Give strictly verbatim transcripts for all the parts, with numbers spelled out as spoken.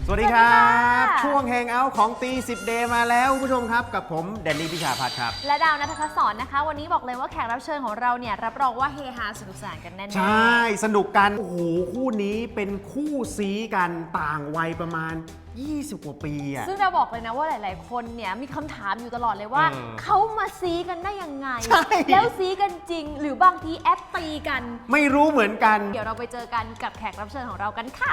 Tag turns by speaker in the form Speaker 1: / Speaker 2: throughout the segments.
Speaker 1: สวัสดีครับช่วงแฮงเอาท์ของตีสิบเดย์มาแล้วคุณผู้ชมครับกับผมแดนนี่พิชาพัฒน์ครับ
Speaker 2: และดาวณัฐพัฒน์สอนนะคะวันนี้บอกเลยว่าแขกรับเชิญของเราเนี่ยรับรองว่าเฮฮาสนุกสนานกันแน่ๆ
Speaker 1: ใช่สนุกกันโอ้โหคู่นี้เป็นคู่ซีกันต่างวัยประมาณยี่สิบกว่าปีอะ
Speaker 2: ซึ่งเราบอกเลยนะว่าหลายๆคนเนี่ยมีคำถามอยู่ตลอดเลยว่า
Speaker 1: เออ
Speaker 2: เขามาซีกันได้ยังไง
Speaker 1: ใช่
Speaker 2: แล้วซีกันจริง หรือบางทีแอปตีกัน
Speaker 1: ไม่รู้เหมือนกัน
Speaker 2: เดี๋ยวเราไปเจอกันกับแขกรับเชิญของเรากันค่ะ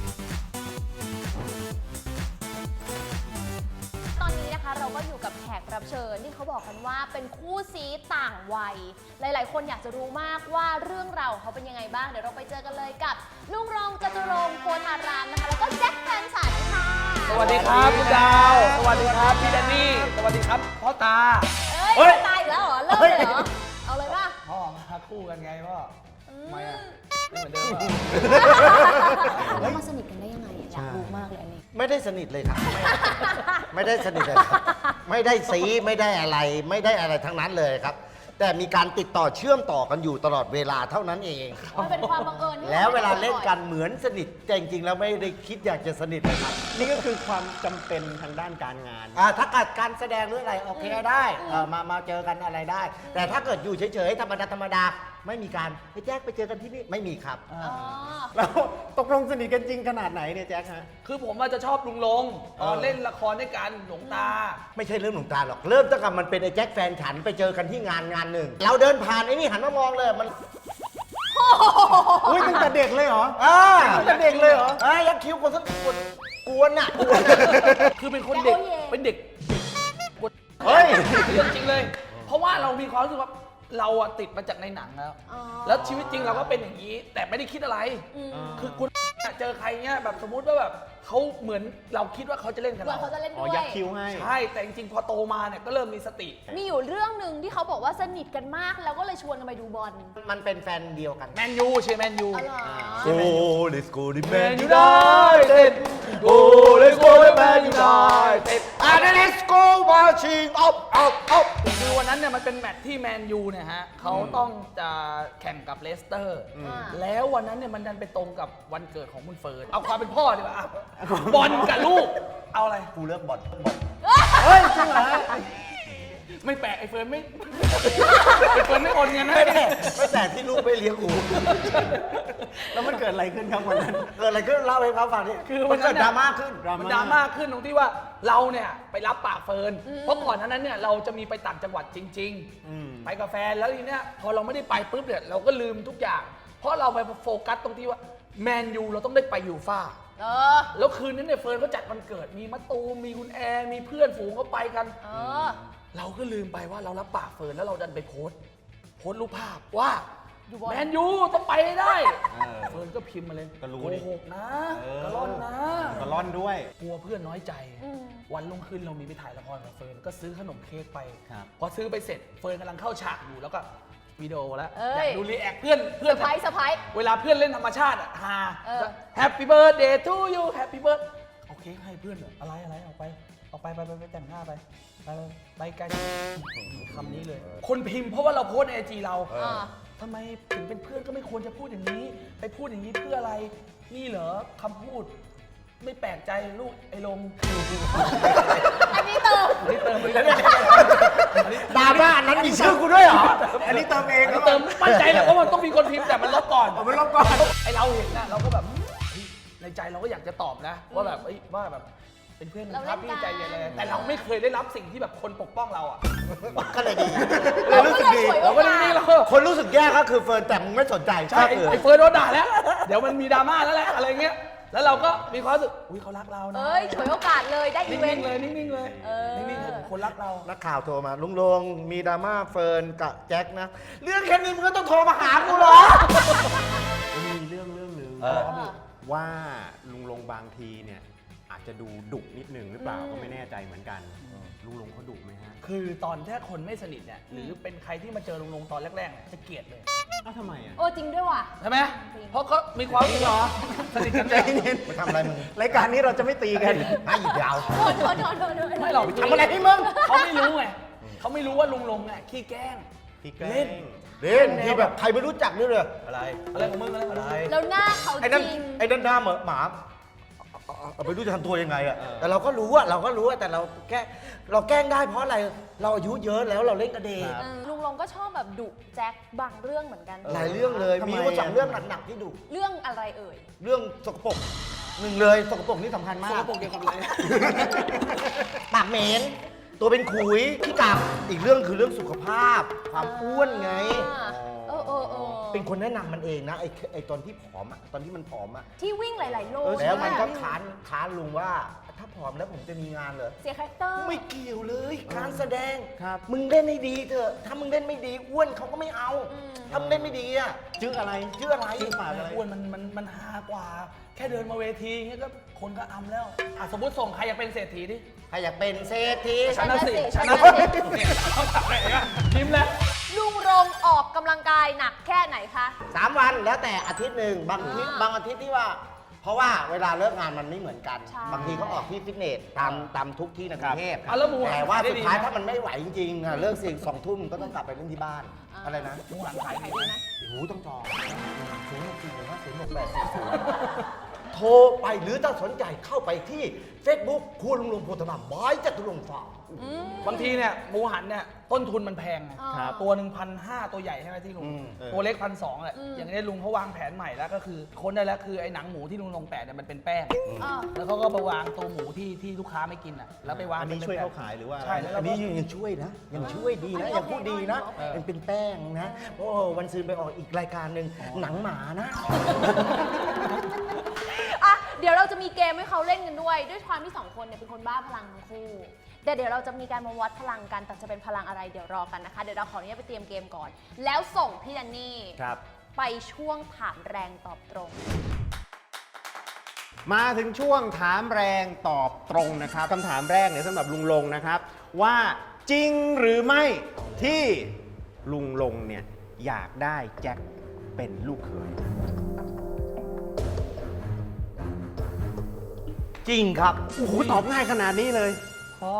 Speaker 2: ตอนนี้นะคะเราก็อยู่กับแขกรับเชิญที่เขาบอกกันว่าเป็นคู่ซีต่างวัยหลายๆคนอยากจะรู้มากว่าเรื่องราวของเขาเป็นยังไงบ้างเดี๋ยวเราไปเจอกันเลยกับลุงรองจตุรงค์โพธารามนะคะแล้วก็แจ็คแฟนฉันค่ะ
Speaker 3: สวัสดีครับคุณดาว สวัสดีครับพี่แดนนี่ สวัสดีครับพ่อตา
Speaker 2: เอ้ยตายอีกแล้วเหรอเริ่มเลยเหรอเอาเลยป่ะ
Speaker 3: พ่อมาคู่กันไงพ่อทำไมอ่ะไม่เหมือนเดิมอ่ะ
Speaker 2: แล้วมาสนิทกันได้ยังไงอยากรู้มากเลยอันนี้
Speaker 4: ไม่ได้สนิทเลยครับ ไม่ได้สนิทเลยครับไม่ได้ซีไม่ได้อะไรไม่ได้อะไรทั้งนั้นเลยครับ แต่มีการติดต่อเชื่อมต่อกันอยู่ตลอดเวลาเท่านั้นเอง
Speaker 2: มันเป็นความบังเอิญที่
Speaker 4: แล้วเวลาเล่นกันเหมือนสนิทแต่จริงๆแล้วไม่ได้คิดอยากจะสนิทเลยครับ
Speaker 1: นี่ก็คือความจำเป็นทางด้านการงาน
Speaker 4: อ่าถ้าเกิดการแสดงหรืออะไรโอเคได้เออมามาเจอกันอะไรได้ แต่ถ้าเกิดอยู่เฉยๆธรรมดาธรรมดาไม่มีการไปแจ๊คไปเจอกันที่นี่ไม่มีครับ
Speaker 2: อ๋อ
Speaker 1: แล้วตกลงสนิทกันจริงขนาดไหนเนี่ยแจ็คฮะ
Speaker 3: คือผมอาจจะชอบลุงลงตอนเล่นละครด้วยกันหลวงตา
Speaker 4: ไม่ใช่เรื่องหลวงตาหรอกเริ่มตั้งแต่มันเป็นไอ้แจ็คแฟนฉันไปเจอกันที่งานงานหนึ่งเราเดินผ่านไอ้นี่หันมามองเลยมัน
Speaker 1: อุ้ยตั้งแต่เด็กเลยเหรอ
Speaker 4: อ่า
Speaker 1: ตั้งแต่เด็กเลยเหรอ
Speaker 4: เอ้ยยักษ์คิ้วคนสักกวนกวนอ่ะกวนอะ
Speaker 3: คือเป็นคนเด็ก เป็นเด็ก
Speaker 4: เฮ้ย
Speaker 3: เรื่องจริงเลย เพราะว่าเรามีความรู้สึกว่าเราอะติดมาจากในหนังแล้ว
Speaker 2: อ๋อ
Speaker 3: แล้วชีวิตจริงเราก็เป็นอย่างนี้ แต่ไม่ได้คิดอะไร
Speaker 2: อืม
Speaker 3: คือคุณเจอใครเงี้ยแบบสมมุติว่าแบบเขาเหมือนเราคิดว่าเขาจะเล่นกับ
Speaker 2: เหมือน
Speaker 3: เรา
Speaker 2: เขาจะเล่น
Speaker 1: อ๋อ
Speaker 2: ด้วย
Speaker 1: ยักคิ้วให้
Speaker 3: ใช่ แต่จริงๆพอโตมาเนี่ยก็เริ่มมีสติ
Speaker 2: มีอยู่เรื่องหนึ่งที่เขาบอกว่าสนิทกันมากแล้วก็เลยชวนกันไปดูบอล
Speaker 4: มันเป็นแฟนเดียวกัน
Speaker 3: แมนยูเชียร์แมนยู
Speaker 2: อ๋อเหรอ
Speaker 4: โอ้เลสโกดิแม
Speaker 3: แม
Speaker 4: น
Speaker 3: น
Speaker 4: ยู
Speaker 3: ยู
Speaker 4: ได
Speaker 3: ไนเต็ดโอ้เลสโกแมนยูไนเต็ด
Speaker 4: อ่าเลสโกมาชิงออฟออฟออฟ
Speaker 3: คือวันนั้นเนี่ยมันเป็นแมตช์ที่แมนยูเนี่ยฮะเขาต้องจะแข่งกับเลสเตอร์
Speaker 2: อ่า
Speaker 3: แล้ววันนั้นเนี่ยมันดันไปตรงกับวันเกิดของคุณเฟิร์นเอาความเป็นพ่อดีกว่าอ่ะบอลกับลูกเอาอะไร
Speaker 4: กูเลือกบอลบอล
Speaker 1: เฮ้ยจริงเหรอฮะ
Speaker 3: ไม่แปลกไอ้เฟิร์นไม่ไอ้เฟิร์นไม่โอนเงินให้
Speaker 4: ไม่แต่ไม่แต่ที่ลูกไม่เลี้ยงกู
Speaker 1: แล้วมันเกิดอะไรขึ้นครับวันนั้น
Speaker 4: เกิดอะไรขึ้นเล่าให้เขาฟังดิ
Speaker 3: คือ
Speaker 4: มั
Speaker 3: วัน น
Speaker 4: เกิ
Speaker 3: นั้
Speaker 4: ด
Speaker 3: น
Speaker 4: ดรา
Speaker 3: น่ะ
Speaker 4: ม่าขึ้น
Speaker 1: ดราม่า
Speaker 3: มันดราม่าขึ้นตรงที่ว่าเราเนี่ยไปรับปากเฟิร์นเพราะก่อนหนานั้นเนี่ยเราจะมีไปต่างจังหวัดจริง
Speaker 1: อืม
Speaker 3: ๆ ไปกับแฟนแล้วทีเนี้ยพอเราไม่ได้ไปปุ๊บเนี่ยเราก็ลืมทุกอย่าง เพราะเราไปโฟกัสตรงที่ว่าแมนยูเราต้องได้ไปยูฟ่า
Speaker 2: เออ
Speaker 3: แล้วคืนนั้นเนี่ยเฟิร์นเขาจัดวันเกิดมีมะตูมมีคุณแอร์มีเพื่อนฝูงเขาไปกัน
Speaker 2: เออ
Speaker 3: เราก็ลืมไปว่าเรารับปากเฟิร์นแล้วเราดันไปโพสต์โพสต์รูปภาพว่า
Speaker 2: อยู่บอล
Speaker 3: แมนยูต้องไปให้ได้
Speaker 1: เออ
Speaker 3: เฟิร์นก็พิมพ์มาเลย
Speaker 1: ก็รู้
Speaker 3: โก
Speaker 1: ดิ
Speaker 3: หกนะ
Speaker 1: เออ
Speaker 3: กระล่อนนะ
Speaker 1: ก็ร่อนด้วย
Speaker 3: กลัวเพื่อนน้อยใจ
Speaker 2: อืม
Speaker 3: วันรุ่งขึ้นเรามีไปถ่ายละครกับเฟิร์นก็ซื้อขนมเค้กไป
Speaker 1: ครับ
Speaker 3: พอซื้อไปเสร็จเฟิร์นกำลังเข้าฉากอยู่แล้วก็วิดีโอแล้ว
Speaker 2: เอ้ย
Speaker 3: อยากดูรีแอคเพื่อนเพื่อน
Speaker 2: สะพายสะพาย
Speaker 3: เวลาเพื่อนเล่นธรรมชาติอะฮา
Speaker 2: เออ
Speaker 3: แฮปปี้เบิร์ดเดย์ทูยูแฮปปี้เบิร์ดโอเคให้เพื่อนเหรออะไรอะไรออกไปออกไปไปไปไปแต่งหน้าไปไปไปไกลคำนี้เลย คนพิมพ์เพราะว่าเราโพสในไอจีเรา
Speaker 2: อ่า
Speaker 3: ทำไมถึงเป็นเพื่อนก็ไม่ควรจะพูดอย่างนี้ ไปพูดอย่างนี้เพื่ออะไร นี่เหรอคำพูด ไม่แปลกใจลูกไอ้ลง
Speaker 2: อันนี้เติม
Speaker 3: อันนี้เติมไปแล้วเนี่ย
Speaker 4: ดราม่าอันนั้นมีชื่อกูด้วยเหรอ
Speaker 1: อันนี้เติมเอง
Speaker 3: อันนี้เติมมั่นใจแหละว่ามันต้องมีคนพิมพ์แต่มันลบก่อน
Speaker 1: เอาไปลบก่อน
Speaker 3: ไอเราเห็นนะเราก็แบบเฮ้ยในใจเราก็อยากจะตอบนะ ว่าแบบเอ้ยว่าแบบเป็นเพื่อนกันครับพี่ใจเย็นเลยแต่เราไม่เคยได้รับสิ่งที่แบบคนปกป้องเราอ่ะ
Speaker 4: ก็เลยดี
Speaker 2: เราก็เลยฉวยโอ
Speaker 3: เราก็
Speaker 2: กา
Speaker 3: นี่
Speaker 2: ส
Speaker 3: เรา
Speaker 4: คนรู้สึกแย่ก็คือเฟิร์นแต่มึงไม่สนใจ
Speaker 3: ใช่
Speaker 4: ก็คือ
Speaker 3: ไอเฟิร์นโดนด่าแล้ว เดี๋ยวมันมีดราม่าแล้วแหละอะไรเงี้ยแล้วเราก็มีความรู้สึกอุ้ยเขารักเรานะ
Speaker 2: เอ้ยฉวยโอกาสเลยได้อีเวน
Speaker 3: นิ่ง
Speaker 2: ต์
Speaker 3: ๆเลยนิ่งๆเลย
Speaker 2: เออ
Speaker 3: นิ่งๆเลยคนรักเรา
Speaker 4: นักข่าวโทรมาลุงลงมีดราม่าเฟิร์นกับแจ็คนะ เรื่องแค่นี้มึงก็ต้องโทรมาหากูเหรอ
Speaker 1: มีเรื่องเรื่องหนึ่ง
Speaker 4: เออ
Speaker 1: ว่าลุงลงบางทีเนี่ยอาจจะดูดุนิดหนึ่งหรือเปล่าก็ไม่แน่ใจเหมือนกัน ลุงลงเขาดุไหมฮะ
Speaker 3: คือตอนแค่คนไม่สนิทเนี่ยหรือเป็นใครที่มาเจอลุงลงตอนแรกๆเนี่ยจะเกลียดเลย
Speaker 1: อ้าวทำไมอ่ะ
Speaker 2: โอ้จริงด้วยว่ะ
Speaker 3: ใช่ไหมเพราะเขามีความรู้สึกเหรอสนิทกัน
Speaker 1: ใจ
Speaker 3: เนี่ย
Speaker 1: เย็น
Speaker 4: มาทำอะไรมึง
Speaker 1: รายการนี้เราจะไม่ตีกัน
Speaker 4: ให้อีกยาว
Speaker 2: โทษโทษโทษโทษโทษ
Speaker 3: ไม่หรอก
Speaker 4: ทำอะไรให้มึง
Speaker 3: เขาไม่รู้ไงเขาไม่รู้ว่าลุงลงอ่ะขี้แกล้ง
Speaker 1: พี่แกล้
Speaker 3: เล่น
Speaker 1: ง
Speaker 4: เล่นที่แบบใครไม่รู้จักด้วยเลยอะไร
Speaker 3: อะไรของมึงอะไรของมึง
Speaker 2: แล้วหน้าเขา
Speaker 4: ไอ้นั่น
Speaker 2: จริง
Speaker 4: ไอ้นั่นหน้าเหมือนหมาเอาเอาไม่รู้จะทำตัวยังไงอะแต่เราก็รู้ว่าเราก็รู้ว่าแต่เราแก้เราแกล้งได้เพราะอะไรเราอายุเยอะแล้วเราเล่นกับเด็ก
Speaker 2: เออลุงลงก็ชอบแบบดุแจ็คบางเรื่องเหมือนกัน
Speaker 4: หลายเรื่องเลย
Speaker 1: ทำไม
Speaker 4: มีว่าสอง
Speaker 1: อะ
Speaker 4: เรื่องหนักๆที่ดุ
Speaker 2: เรื่องอะไรเอ่ย
Speaker 4: เรื่องสกปรกหนึ่งเลยสกปรกนี่สำคัญมา
Speaker 3: ส
Speaker 4: ก
Speaker 3: กปรกเกี่ยวกับอะไร
Speaker 4: ปากเหม็นตัวเป็นขุยขี้กากอีกเรื่องคือเรื่องสุขภาพ ความอ้วนไง
Speaker 2: อ่าเออเออเออ
Speaker 4: เป็นคนแนะนำมันเองนะไอ้ไอ้ตอนที่ผอมอะตอนที่มันผอมอะ
Speaker 2: ที่วิ่งหลาย ๆ โล
Speaker 4: แล้วมันก็
Speaker 2: ใช่ไห
Speaker 4: ค้านค้านลุงว่าถ้าผอมแล้วผมจะมีงานเหรอ
Speaker 2: เสียคาแรคเตอร์
Speaker 4: ไม่เกี่ยวเลยการแสดง
Speaker 1: ครับ
Speaker 4: มึงเล่นให้ดีเถอะถ้ามึงเล่นไม่ดีอ้วนเขาก็ไม่เอา
Speaker 2: อืม
Speaker 4: ถ้ามึงเล่นไม่ดีอะ
Speaker 1: ชื่ออะไร
Speaker 4: ชื่ออะไร
Speaker 1: ชื่อปากอะไร
Speaker 3: อ้วนมันมันมันฮากว่า แค่เดินมาเวทีเงี้ยก็คนก็อำแล้วอ่ะสมมติส่งใครอยากเป็นเศรษฐีดิ
Speaker 4: ใครอยากเป็นเศรษฐี
Speaker 3: ฉันน่ะสิ
Speaker 2: ฉั
Speaker 3: ฉั
Speaker 2: น
Speaker 3: น
Speaker 2: น่ะ
Speaker 3: น่ะ
Speaker 2: สิ
Speaker 3: สิยิ้มแล้ว
Speaker 2: ลุงรงออกกำลังกายหนักแค่ไหนคะ
Speaker 4: สามวันแล้วแต่อาทิตย์หนึ่งบางอาทิตย์
Speaker 2: อ่า
Speaker 4: บางอาทิตย์ที่ว่า เพราะว่าเวลาเลิกงานมันไม่เหมือนกัน
Speaker 2: ใช่
Speaker 4: บางทีก็ออกที่ฟิตเนสตามตามทุกที่ในกรุงเทพ
Speaker 3: อ่ะแล้วหมูหัน
Speaker 4: แต่ว่า
Speaker 3: ขายได้
Speaker 4: สุด
Speaker 3: ดี
Speaker 4: ท้าย
Speaker 3: ไหม
Speaker 4: ถ้ามันไม่ไหวจริงๆอ่ะเลิกสี่สองทุ่มก็ต้องกลับไปเล่นที่บ้าน อะไรนะ
Speaker 3: หมูหันขาย
Speaker 2: ขาย
Speaker 3: ดี
Speaker 2: ดี
Speaker 3: ไห
Speaker 2: ไห
Speaker 3: ม
Speaker 2: ม
Speaker 4: โอ้โหต้องจองศูนย์หกสี่หนึ่งห้าศูนย์หกแปดสี่ศูนย์โทรไปหรือถ้าสนใจเข้าไปที่ Facebook ครัวลุงลงโพธารามบายจตุรงค์ฟาร์ม
Speaker 2: อืม
Speaker 3: บางทีเนี่ยหมูหันเนี่ยต้นทุนมันแพงไง
Speaker 2: ครับ
Speaker 3: ตัวหนึ่งพันห้าตัวใหญ่ใช่ไหมที่ลุง
Speaker 4: อืม
Speaker 3: ตัวเล็กพันสองแหละ
Speaker 2: อืม
Speaker 3: อย่างนี้ลุงเขาวางแผนใหม่แล้วก็คือค้นได้แล้วคือไอ้หนังหมูที่ลุงลงแปะเนี่ยมันเป็นแป้ง
Speaker 2: อ่า
Speaker 3: แล้วเขาก็ไปวางตัวหมูที่ที่ลูกค้าไม่กินอ่ะแล้วไปวาง
Speaker 1: อันนี้
Speaker 3: ป็
Speaker 1: ช่วย
Speaker 3: แบบ
Speaker 1: เขาขายหรือว่า
Speaker 3: ใช่แล้ว
Speaker 4: อันนี้ยังช่วยนะ ยังช่วยดี
Speaker 2: อัน
Speaker 4: นะ
Speaker 2: นี้
Speaker 4: ยังพูดดีนะ
Speaker 2: โอเค
Speaker 4: ยังเป็นแป้งนะ โอ้วันซืนไปออกอีกรายการหนึ่งหนังหมานะ
Speaker 2: อ่ะเดี๋ยวเราจะมีเกมให้เขาเล่นกันด้วย ด้วยความที่สองคนเนี่ยเป็นคนบ้าพลังทั้งคู่แต่เดี๋ยวเราจะมีการมาวัดพลังกันแต่จะเป็นพลังอะไรเดี๋ยวรอกันนะคะเดี๋ยวเราขออนุญาตไปเตรียมเกมก่อน แล้วส่งพี่แดนนี่
Speaker 1: ครับ
Speaker 2: ไปช่วงถามแรงตอบตรง
Speaker 1: มาถึงช่วงถามแรงตอบตรงนะครับคำถามแรกเนี่ยสำหรับลุงลงนะครับ ว่าจริงหรือไม่ที่ลุงลงเนี่ยอยากได้แจ็คเป็นลูกเขย
Speaker 4: จริงครับ
Speaker 1: โอ้โหตอบง่ายขนาดนี้เลย
Speaker 3: พ่อ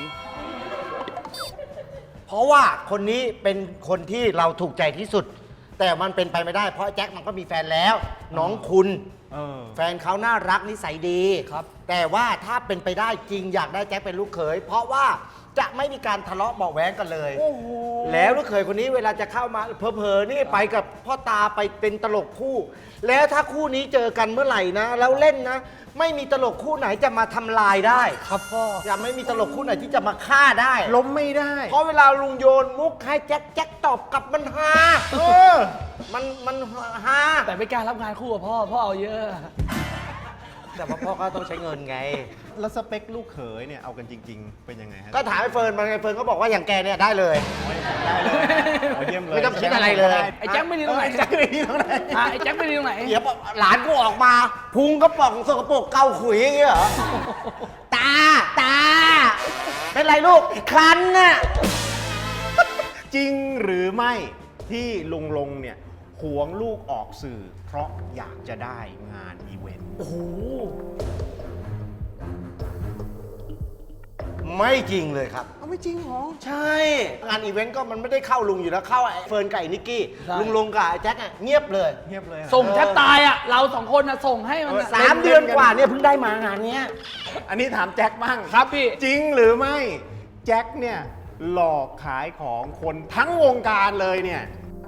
Speaker 4: เพราะว่าคนนี้เป็นคนที่เราถูกใจที่สุด แต่มันเป็นไปไม่ได้เพราะแจ็คมันก็มีแฟนแล้ว น้องคุณ
Speaker 1: เออ
Speaker 4: แฟนเขาน่ารักนิสัยดี
Speaker 3: ครับ
Speaker 4: แต่ว่าถ้าเป็นไปได้จริงอยากได้แจ็คเป็นลูกเขย เพราะว่าจะไม่มีการทะเลาะเบาะแว้งกันเลย
Speaker 3: โอ้โห
Speaker 4: แล้วลูกเขยคนนี้เวลาจะเข้ามาเผลอๆนี่ไปกับพ่อตาไปเป็นตลกคู่ แล้วถ้าคู่นี้เจอกันเมื่อไหร่นะ แล้วเล่นนะ ไม่มีตลกคู่ไหนจะมาทำลายได้
Speaker 3: ครับพ่อ
Speaker 4: จะไม่มีตลกคู่ไหนที่จะมาฆ่าได้
Speaker 1: ล้มไม่ได้
Speaker 4: เพราะเวลาลุงโยนมุกให้แจ็คแจ็คตอบกลับมันฮาเออ มันมันฮา
Speaker 3: แต่ไม่กล้ารับงานคู่กับพ่อ พ่อเอาเยอะ
Speaker 4: แต่ว่าพ่อก็ต้องใช้เงินไง
Speaker 1: แล้วสเปคลูกเขยเนี่ยเอากันจริง ๆ เป็นยังไงฮะ
Speaker 4: ก็ถามไอ้เฟิร์นมาไงเฟิร์นก็บอกว่าอย่างแกเนี่ยได้เลย
Speaker 1: ได้เลยโอ้เยี่ยมเลย
Speaker 4: ไม่ต้องคิดอะไรเลย
Speaker 3: ไอ้แจ็คไม่ดีตรงไหน
Speaker 1: แจ็คไม่ดีตรงไหน
Speaker 3: อ่ะไอ้แจ็คไม่ดีตรงไหน
Speaker 4: เดี๋ยวหลานกูออกมา พุงก็ป่องสกปรกเกาขุยอย่างเงี้ยเหรอ ตา ตา เป็นไรลูกคันน่ะ
Speaker 1: จริงหรือไม่ที่ลุงลงเนี่ยหวงลูกออกสื่อ เพราะอยากจะได้งานอีเวนต์
Speaker 3: โอ้โห
Speaker 4: ไม่จริงเลยครับ
Speaker 1: เอาไม่จริงหรอ
Speaker 4: ใช่ งานอีเวนต์ก็มันไม่ได้เข้าลุงอยู่แล้ว เข้าไอ้เฟิร์นกับไอ้นิกกี้
Speaker 3: ใช่
Speaker 4: ลุงลงกับไอ้แจ็คอะเงียบเลย
Speaker 1: เงียบเลยอะ
Speaker 3: ส่งแทบตายอ่ะ เราสองคนอ่ะ ส่งให้มันอะ
Speaker 4: สามเดือนกว่าเนี่ยเพิ่งได้มางานเนี้ย
Speaker 1: อันนี้ถามแจ็คบ้าง
Speaker 3: ครับพี่
Speaker 1: จริงหรือไม่แจ็คเนี่ยหลอกขายของคนทั้งวงการเลยเนี่ย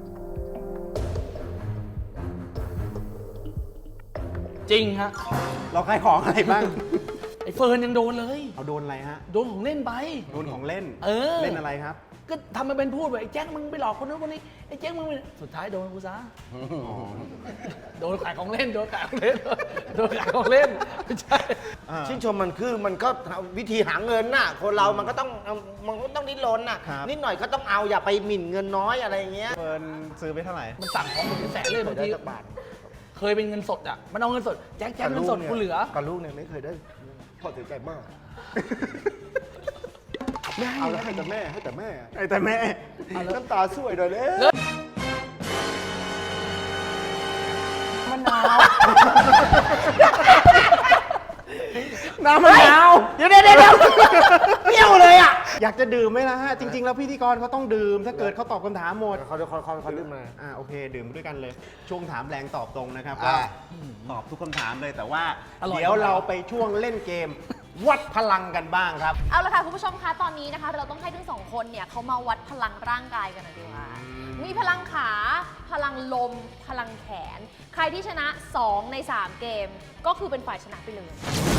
Speaker 3: จริงฮะ
Speaker 1: เราขายของอะไรบ้าง
Speaker 3: ไอ้เฟิร์นยังโดนเลย
Speaker 1: เอาโดนอะไรฮะ
Speaker 3: โดนของเล่นไป
Speaker 1: โดนของเล่น
Speaker 3: เออ
Speaker 1: เล่นอะไรครับ
Speaker 3: ก็ทำมาเป็นพูดแบบไอ้แจ็คมึงไปหลอกคนนู้นคนนี้ ไอ้แจ็คมึงไปสุดท้ายโดนกูซะ โดนขายของเล่น โดนขายของเล่น โดนขายของเล่น ไม่ใช่
Speaker 4: ชื่นชมมันคือมันก็วิธีหาเงินน่ะ คนเรามันก็ต้องมันก็ต้องดิ้นรนน่ะ
Speaker 1: ครับ
Speaker 4: นิดหน่อยก็ต้องเอาอย่าไปหมิ่นเงินน้อยอะไรอย่างเงี้ย
Speaker 1: เฟิร์นซื้อไปเท่าไหร่
Speaker 3: มันสั่งของเป็นแสนเลยบาง
Speaker 4: ได้
Speaker 3: ที
Speaker 4: สักบาท
Speaker 3: เคยเป็นเงินสดอ่ะ มันเอาเงินสด แจ็คแจ็คเงินสดกูเหลือ
Speaker 4: กับลูกเนี่ยไม่เคยได้พ่อเสียใจมากเอาแล้วให้แต่แม่ให้แต่แม่
Speaker 1: ไอ้แต่แม่
Speaker 4: น้ำตาสวยหน่อยเลย
Speaker 3: มะนาว
Speaker 1: น้ำมะนาว
Speaker 4: เดี๋ยวเดี๋ยวเดี๋ยวเปรี้ยวเลยอ่ะ
Speaker 1: อยากจะดื่มไหมล่ะฮะ จริง ๆ แล้วพิธีกรเขาต้องดื่ม ถ้าเกิดเขาตอบคำถามหมด
Speaker 4: เขาเขาเขาเขาลืมมา
Speaker 1: อ่าโอเค ดื่มด้วยกันเลย ช่วงถามแรงตอบตรงนะครับ
Speaker 4: อ่า
Speaker 1: ก็ตอบทุกคำถามเลยแต่ว่า
Speaker 3: อร่อย
Speaker 1: เดี๋ยวเราไปช่วงเล่นเกม วัดพลังกันบ้างครับ
Speaker 2: เอาละค่ะคุณผู้ชมคะตอนนี้นะคะ เราต้องให้ทั้งสองคนเนี่ยเขามาวัดพลังร่างกายกันหน่อยดีกว่า มีพลังขา พลังลม พลังแขน ใครที่ชนะ สอง ใน สาม เกม ก็คือเป็นฝ่ายชนะไปเลย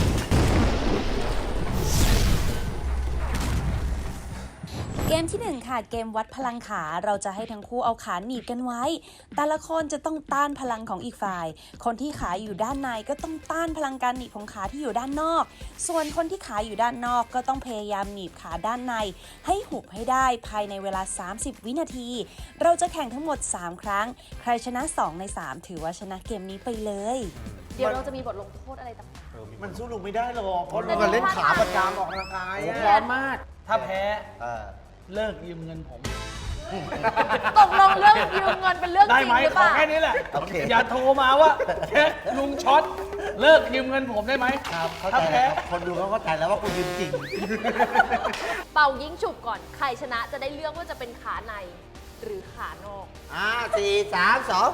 Speaker 5: เกมที่หนึ่งค่ะเกมวัดพลังขาเราจะให้ทั้งคู่เอาขาหนีบกันไว้ แต่ละคนจะต้องต้านพลังของอีกฝ่าย คนที่ขาอยู่ด้านในก็ต้องต้านพลังการหนีบของขาที่อยู่ด้านนอก ส่วนคนที่ขาอยู่ด้านนอกก็ต้องพยายามหนีบขาด้านใน ให้หุบให้ได้ภายในเวลา สามสิบ วินาที เราจะแข่งทั้งหมด สาม ครั้ง ใครชนะ สอง ใน สาม ถือว่าชนะเกมนี้ไปเลย
Speaker 2: เดี๋ยวเราจะมีบทลงโทษอะไรต่าง
Speaker 4: มันสู้ลุงไม่ได้หรอกเพราะ
Speaker 2: แต่
Speaker 4: ลุง
Speaker 2: ดู
Speaker 4: เล่น
Speaker 2: ท่า
Speaker 4: ขา
Speaker 2: ทาง
Speaker 4: ประจำออกกำลังกาย
Speaker 1: โอ้
Speaker 4: อะ
Speaker 1: พร้อมมาก
Speaker 3: ถ้าแพ้
Speaker 4: เออ
Speaker 3: เลิกยืมเงินผม
Speaker 2: ๆ ตกลงเรื่องยืมเงินเป็นเรื่องจ
Speaker 3: ได้
Speaker 2: ริง
Speaker 3: ไหม
Speaker 2: หรือ
Speaker 3: ข
Speaker 2: เป
Speaker 3: อ
Speaker 2: ล่า
Speaker 3: แค่นี้แหละ
Speaker 4: โอเค
Speaker 3: อย่าโทรมาว่าแค่ลุงช็อต เลิกยืมเงินผมได้ไหม
Speaker 4: ครับเข้า
Speaker 3: ถ้า
Speaker 4: ใจ
Speaker 3: แพ้
Speaker 4: แล้วคนดูเขาเข้าใจแล้วว่าคุณยืมจริง
Speaker 2: เป่ายิงฉุบก่อน ใครชนะจะได้เลือกว่าจะเป็นขาในหรือขานอก
Speaker 4: อ่าสี่สามสอง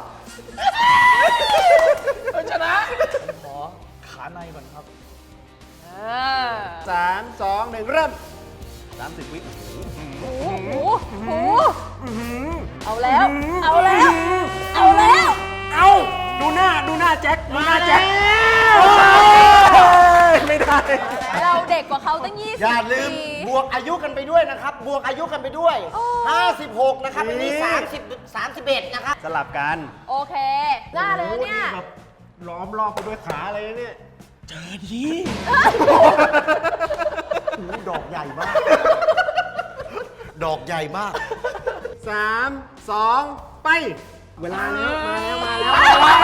Speaker 3: ชนะผมขอขาในก่อนครับ
Speaker 2: เออ
Speaker 1: สามสองหนึ่งเริ่มสามสิบวิ
Speaker 2: โอ้โหโอ้โหเอาแล้ว เอาแล้ว เอาแล้ว
Speaker 1: เอาดูหน้าดูหน้าแจ็คดูหน้าแจ็คไม่ได้
Speaker 2: เราเด็กกว่าเขาตั้งยี่สิบ
Speaker 4: อย่าลืม
Speaker 2: ปี
Speaker 4: บวกอายุกันไปด้วยนะครับ บวกอายุกันไปด้วย
Speaker 2: โอ้
Speaker 4: ห้าสิบหกนะครับ อันนี้
Speaker 1: นี่
Speaker 4: สามสิบ สามสิบเอ็ดนะครับ
Speaker 1: สลับกัน
Speaker 2: โอเคหน้าเลยนะเนี่ย
Speaker 1: โอ้โหแบบล้อมรอบไปด้วยขาเลยนะเนี่ย
Speaker 3: เจอดี
Speaker 4: โอ้โหดอกใหญ่มาก ดอกใหญ่มาก
Speaker 1: สามสองไป เวลาแล้วมาแล้วมาแล้ว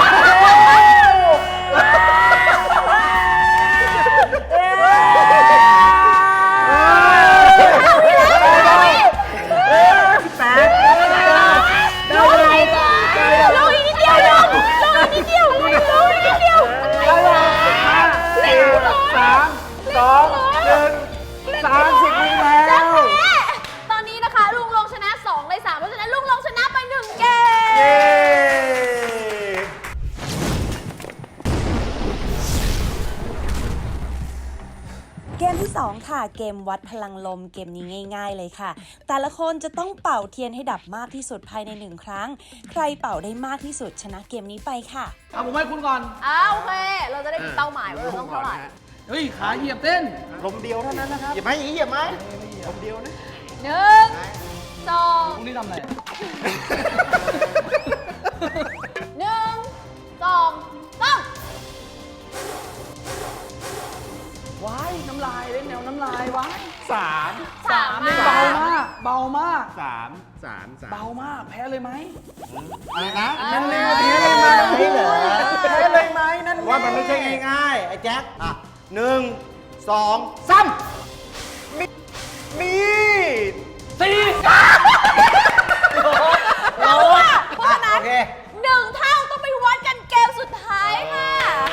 Speaker 1: แปด
Speaker 2: ลงอีกนิดเดียวลงลงอีกนิดเดียวลงอีกนิดเดียว
Speaker 1: สี่สามสองหนึ่งสามสิบวิแล้ว
Speaker 2: ตอนนี้นะคะลุงลงชนะสองในสามเพราะฉะนั้นลุงลงชนะไปหนึ่งเก
Speaker 1: เย้
Speaker 2: ม
Speaker 5: เกมที่ สอง ค่ะ เกมวัดพลังลม เกมนี้ง่าย ๆ เลยค่ะ แต่ละคนจะต้องเป่าเทียนให้ดับมากที่สุดภายในหนึ่งครั้ง ใครเป่าได้มากที่สุดชนะเกมนี้ไปค่ะ
Speaker 3: เอาผมให้คุณก่อน
Speaker 2: อ้าวโอเค เราจะได้มีเป้าหมายว่าเราต้องเท่าไหร่
Speaker 3: เฮ้ย ขาเหยียบเต้น
Speaker 1: ลมเดียวเท่านั้นนะครับ
Speaker 4: เหยียบไหมอย่างนี้เหยียบไหม
Speaker 1: ลมเดียวนะ
Speaker 2: หนึ่งสอง
Speaker 3: พรุ่งนี้ทำอะไร
Speaker 2: หนึ่งสองสาม
Speaker 3: ว้าย น้ำลายเล่นแนวน้ำลายว้าย
Speaker 1: สาม
Speaker 2: สาม
Speaker 3: นี่
Speaker 2: อ่ะ
Speaker 3: เบามาก เบามาก
Speaker 1: สามสามสาม
Speaker 3: เบามาก แพ้เลยไหม
Speaker 4: อะไรนะ
Speaker 2: นั่นเลย
Speaker 4: แพ้เลยไหมเหรอ
Speaker 1: แพ้เลยไหมนั่น
Speaker 4: ว่ามันไม่ใช่ง่ายๆ ไอ้แจ็ค อ่ะหนึ่งสองสาม
Speaker 1: มี
Speaker 3: สี่
Speaker 2: เราอะเพราะฉะนั้น
Speaker 4: โอเค
Speaker 2: หนึ่งเท่าต้องไปวัดกันเกมสุดท้ายค่ะ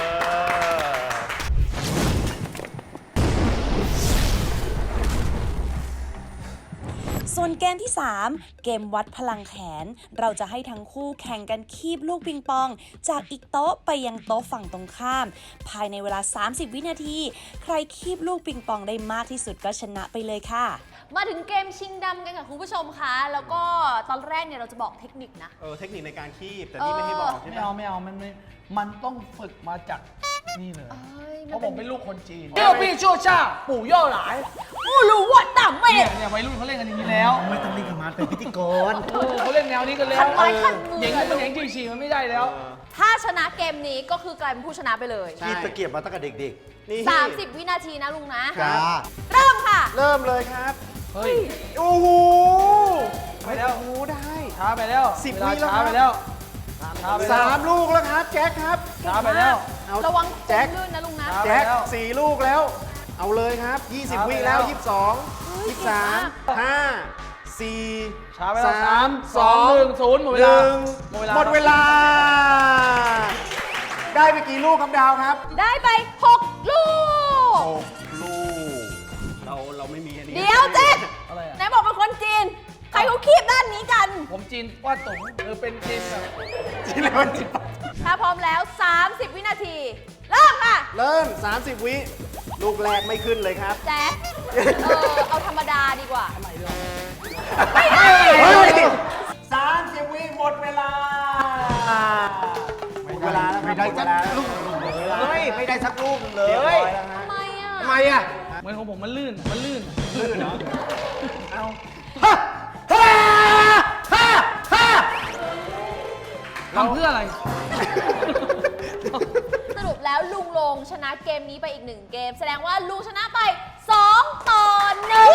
Speaker 5: ส่วนเกมที่ สาม เกมวัดพลังแขน เราจะให้ทั้งคู่แข่งกันคีบลูกปิงปอง จากอีกโต๊ะไปยังโต๊ะฝั่งตรงข้าม ภายในเวลา สามสิบ วินาที ใครคีบลูกปิงปองได้มากที่สุดก็ชนะไปเลยค่ะ
Speaker 2: มาถึงเกมชิงดำกันค่ะคุณผู้ชมคะ แล้วก็ตอนแรกเนี่ยเราจะบอกเทคนิคนะ
Speaker 1: เออเทคนิคในการคีบ แต่นี่ไม่ให้บอกใช่
Speaker 3: ไม่
Speaker 1: ไหม
Speaker 3: เอาไม่เอามันไม่มันต้องฝึกมาจากนี่เลย
Speaker 2: เอ้ย
Speaker 3: เพ
Speaker 2: มัน
Speaker 3: ราะ
Speaker 2: เป็
Speaker 3: ผ
Speaker 2: น
Speaker 3: มเป็นลูกคนจีนเจ้าพี่ชั่วชาปู่ย่อหลาย
Speaker 2: ผู้รู้ว่าต่ำเม
Speaker 3: เนี่ย
Speaker 2: ฆ
Speaker 3: เนี่ยวัยรุ่นเขาเล่นกันอย่างนี้แล้ว
Speaker 4: ไม่ต้องรีบขมันเป็นพิธีกร
Speaker 3: เออเขาเล่นแนวนี้กันแล้ว
Speaker 2: ขันไม้ขันมือ
Speaker 3: อย่างนี้มันอย่างจีฉีมันไม่ได้แล้ว
Speaker 2: ถ้าชนะเกมนี้ก็คือกลายเป็นผู้ชนะไปเลย
Speaker 1: ใช่
Speaker 4: พี่ตะเกียบมาตั้งแต่เด็ก
Speaker 1: นี่
Speaker 2: สามสิบ วินาทีนะลุงนะ
Speaker 4: ๆจ้า
Speaker 2: เริ่มค่ะ
Speaker 1: เริ่มเลยครับ
Speaker 3: เฮ้ย
Speaker 1: โอ้โห
Speaker 3: ไปแล้ว
Speaker 1: โอ้โหได้
Speaker 3: ช้าไปแล้ว
Speaker 1: สิบ
Speaker 3: เวลา
Speaker 1: วิแล้ว
Speaker 3: ช้าไปแล้วช้าไปแล้ว
Speaker 1: สามลูกแล้วครับ แจ็คครับ
Speaker 3: ช้าไปแล้ว
Speaker 1: เอา
Speaker 2: ระวัง
Speaker 1: แจ็ค
Speaker 2: ลื่นนะลุงนะ
Speaker 3: ครับ
Speaker 1: แจ็ค
Speaker 3: ไปแล้ว
Speaker 1: สี่ลูกแล้ว เอาเลยครับ ยี่สิบ
Speaker 3: ช้าไป
Speaker 1: วิ
Speaker 3: แล้
Speaker 1: แล้ว
Speaker 3: ว
Speaker 1: ยี่สิบสอง
Speaker 2: เฮ้ย
Speaker 1: ยี่สิบสาม
Speaker 2: เก่งมาก
Speaker 1: ห้าสี่
Speaker 3: ช้าไปแล้ว
Speaker 1: สา
Speaker 3: สาม มสองหนึ่งศูนย์หมดเว
Speaker 1: ห
Speaker 3: ลา
Speaker 1: นึ่งหมดเวลา ได้ไปกี่ลูกครับดาวครับ
Speaker 2: ได้ไปหกลูก
Speaker 1: หกลูก เราเราไม่มีอันนี้
Speaker 2: เดี๋ยวเจ็ดใครเขาคีบด้านนี้กัน
Speaker 3: ผมจีนว่าตงเออเป็นจีนแบบ
Speaker 1: จีนแล้วจีน
Speaker 2: ถ้าพร้อมแล้ว สามสิบ วินาที เริ่มค่ะ
Speaker 1: เริ่ม สามสิบ วิ ลูกแรกไม่ขึ้นเลยครับ
Speaker 2: แจ๊คเออเอาธรรมดาดีกว่า
Speaker 1: ไม่ได้สามสิบ วิหมดเวลา หมดเวลาแล้ว
Speaker 4: ไม่ได้
Speaker 1: ห
Speaker 4: สั
Speaker 1: ด
Speaker 4: ก
Speaker 1: เวลา
Speaker 4: ลูกเลยไม่ได้สักลูกเล
Speaker 1: เรียบร้
Speaker 4: ย
Speaker 1: อยแล้วฮะ
Speaker 2: ทำไมอ่ะ
Speaker 4: ทำไมอ่ะ
Speaker 3: เหมือนของผมมันลื่น มันลื่น
Speaker 1: ลื่นเหรอ เอา
Speaker 4: ฮ่าฮ่าฮ่าฮ่า
Speaker 3: ทำเพื่ออะไร
Speaker 2: สรุปแล้วลุงลงชนะเกมนี้ไปอีกหนึ่งเกม แสดงว่าลุงชนะไปสองต่อหนึ่ง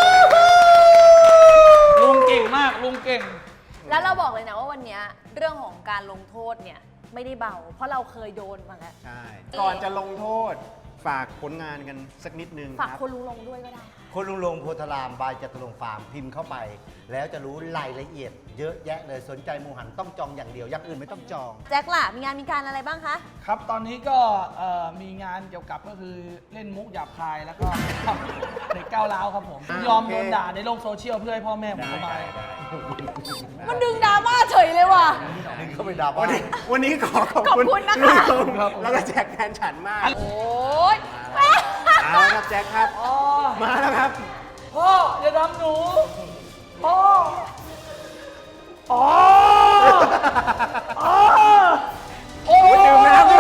Speaker 3: ลุงเก่งมาก ลุงเก่ง
Speaker 2: แล้วเราบอกเลยนะว่าวันเนี้ยเรื่องของการลงโทษเนี่ยไม่ได้เบา เพราะเราเคยโดนมาแล้ว
Speaker 1: ใช่ ก่อนจะลงโทษ ฝากผลงานกันสักนิดนึง
Speaker 2: ฝาก
Speaker 1: ครับ
Speaker 2: คนลุงลงด้วยก็ได้
Speaker 4: คนลุงลงโพธารามบายจตุรงค์ฟาร์มพิมพ์เข้าไป แล้วจะรู้รายละเอียด เยอะแยะเลยสนใจหมูหันต้องจองอย่างเดียวอย่างอื่นไม่ต้องจอง
Speaker 2: แจ็คล่ะ มีงานมีการอะไรบ้างคะ
Speaker 3: ครับ ตอนนี้ก็เอ่อมีงานเกี่ยวกับก็คือเล่นมุกหยาบคายแล้วก็เด็กก้าวร้าวครับผม
Speaker 1: อ่าย
Speaker 3: อม
Speaker 1: โอเค
Speaker 3: โดนด่าในโลกโซเชียลเพื่อให้พ่อแม่ผมสบาย
Speaker 2: มันดึงดราม่าเฉยเลยว่ะ
Speaker 4: นี่ก็ไม่ด่า
Speaker 1: วัน
Speaker 4: ว่า
Speaker 1: นี้วันนี้ขอขอบ
Speaker 2: ขอบ
Speaker 1: คุณ
Speaker 2: คุณนะคะ
Speaker 1: ลุงลงแล้วก็แจ็คแฟนฉันมาก
Speaker 2: โอ้ย
Speaker 1: เอาละครับแจ็คครับ
Speaker 3: อ๋อ
Speaker 1: มาแล้วครับ
Speaker 3: พ่ออย่าทำหนู พ่อ อ๋อ อ๋อ โอ้
Speaker 1: ดื่มน้ำด้วย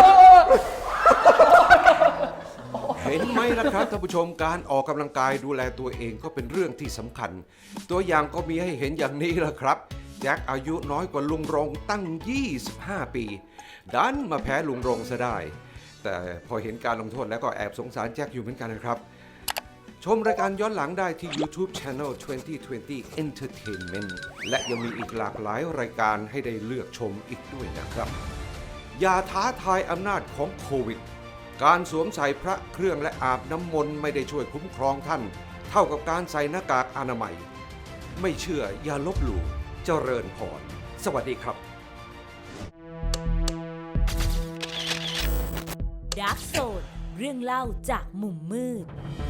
Speaker 6: เห็นไหมล่ะครับท่านผู้ชมการออกกำลังกายดูแลตัวเองก็เป็นเรื่องที่สำคัญ ตัวอย่างก็มีให้เห็นอย่างนี้แหละครับแจ็คอายุน้อยกว่าลุงรงตั้ง ยี่สิบห้า ปี ดันมาแพ้ลุงรงซะได้ แต่พอเห็นการลงโทษแล้วก็แอบสงสารแจ็คอยู่เหมือนกันนะครับ ชมรายการย้อนหลังได้ที่ YouTube Channel ยี่สิบยี่สิบ Entertainment และยังมีอีกหลากหลายรายการให้ได้เลือกชมอีกด้วยนะครับ อย่าท้าทายอำนาจของโควิด การสวมใส่พระเครื่องและอาบน้ำมนต์ไม่ได้ช่วยคุ้มครองท่าน เท่ากับการใส่หน้ากากอนามัย ไม่เชื่ออย่าลบหลู่เจริญพร สวัสดีครับ
Speaker 7: Dark Zone เรื่องเล่าจากมุมมืด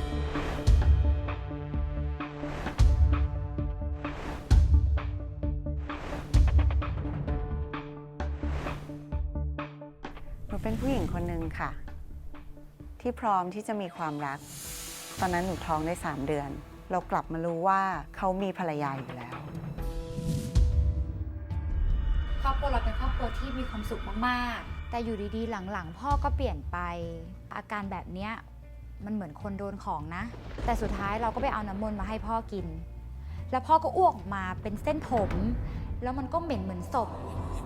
Speaker 8: หนูเป็นผู้หญิงคนหนึ่งค่ะ ที่พร้อมที่จะมีความรัก ตอนนั้นหนูท้องได้สามเดือน เรากลับมารู้ว่าเขามีภรรยาอยู่แล้ว
Speaker 9: ครอบครัวเราเป็นครอบครัวที่มีความสุขมากๆ แต่อยู่ดีๆ หลังๆ พ่อก็เปลี่ยนไป อาการแบบเนี้ยมันเหมือนคนโดนของนะ แต่สุดท้ายเราก็ไปเอาน้ำมนต์มาให้พ่อกิน แล้วพ่อก็อ้วกออกมาเป็นเส้นผม แล้วมันก็เหม็นเหมือนศพ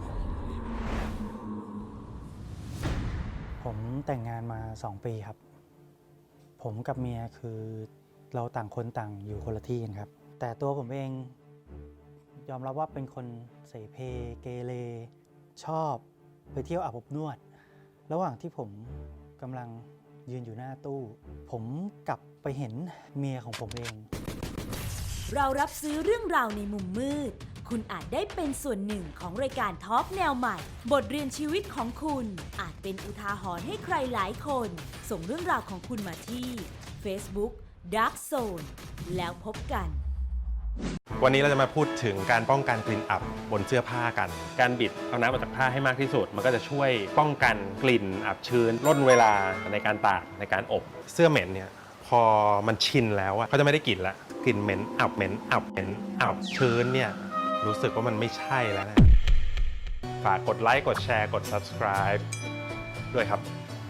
Speaker 10: ผมแต่งงานมาสองปีครับ ผมกับเมียคือเราต่างคนต่างอยู่คนละที่กันครับ แต่ตัวผมเองยอมรับว่าเป็นคนเสเพเกเรชอบไปเที่ยวอาบอบนวด ระหว่างที่ผมกำลังยืนอยู่หน้าตู้ ผมกลับไปเห็นเมียของผมเอง
Speaker 7: เรารับซื้อเรื่องราวในมุมมืด คุณอาจได้เป็นส่วนหนึ่งของรายการทอล์กแนวใหม่ บทเรียนชีวิตของคุณอาจเป็นอุทาหรณ์ให้ใครหลายคน ส่งเรื่องราวของคุณมาที่ Facebook Dark Zone แล้วพบกัน
Speaker 11: วันนี้เราจะมาพูดถึงการป้องกันกลิ่นอับบนเสื้อผ้ากัน การบิดเอาน้ำออกจากผ้าให้มากที่สุด มันก็จะช่วยป้องกันกลิ่นอับชื้นลดเวลาในการตากในการอบเสื้อเหม็นเนี่ยพอมันชินแล้วอะเขาจะไม่ได้กลิ่นละกลิ่นเหม็นอับเหม็นอับเหม็นอับชื้นเนี่ยรู้สึกว่ามันไม่ใช่แล้วนะฝากกดไลค์กดแชร์กด Subscribe ด้วยครับ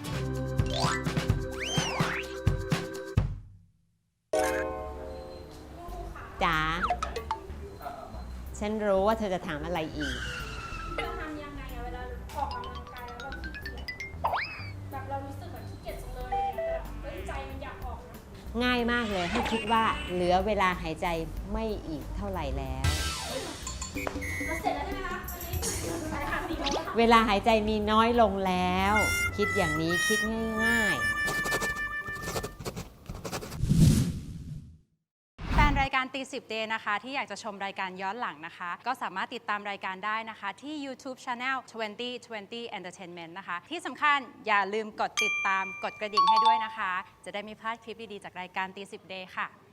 Speaker 12: จ๋า ฉันรู้ว่าเธอจะถามอะไรอีก
Speaker 13: เราทำยังไงอะเวลาออกกำลังกายแล้วเราขี้เกียจแบบเรารู้สึกแบบขี้เกียจจังเลยแต่แบบเฮ้ยใจมันอยากออกนะ
Speaker 12: ง่ายมากเลยให้คิดว่าเหลือเวลาหายใจไม่อีกเท่าไหร่แล้ว
Speaker 13: เราเสร็จแล้วใช่ไหมคะวันนี้ใช่ค่ะสี่โมงแล้วค่ะ
Speaker 12: เวลาหายใจมีน้อยลงแล้ว คิดอย่างนี้คิดง่ายๆ
Speaker 14: แฟนรายการตีสิบเดย์นะคะที่อยากจะชมรายการย้อนหลังนะคะ ก็สามารถติดตามรายการได้นะคะที่ YouTube Channel ยี่สิบยี่สิบ Entertainment นะคะ ที่สำคัญอย่าลืมกดติดตามกดกระดิ่งให้ด้วยนะคะ จะได้ไม่พลาดคลิปดีๆจากรายการตีสิบเดย์ค่ะ